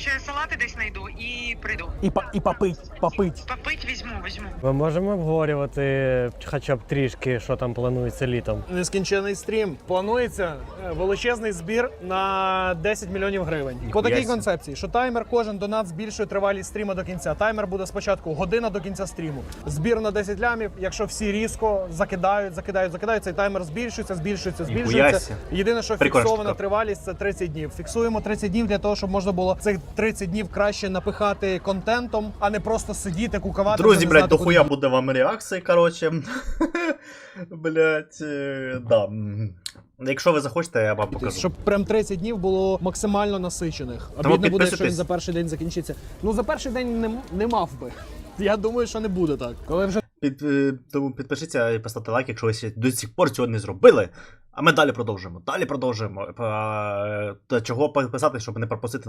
салати десь знайду і прийду. І попить. Попить візьму. Ми можемо обговорювати хоча б трішки, що там планується літом. Нескінчений стрім. Планується величезний збір на 10 мільйонів гривень. По такій концепції, що таймер кожен донат збільшує тривалість стріму до кінця. Таймер буде спочатку година до кінця стріму. Збір на 10 лямів, якщо всі різко закидають, цей таймер збільшується. Єдине, що фіксована тривалість, це 30 днів. Фіксуємо 30 днів для того, щоб можна було цих 30 днів краще напихати контентом, а не просто сидіти, кукавати. Друзі, блядь, дохуя буде вам реакції, короче. Блядь, да. Якщо ви захочете, я вам покажу. Щоб прям 30 днів було максимально насичених. Тому Обідно буде, що він підписуйтесь. за перший день закінчиться. Ну, за перший день не мав би. Я думаю, що не буде так. Коли вже Тому підпишіться і поставте лайк, якщо ви ще до сих пор цього не зробили. А ми далі продовжуємо. Та чого підписати, щоб не пропустити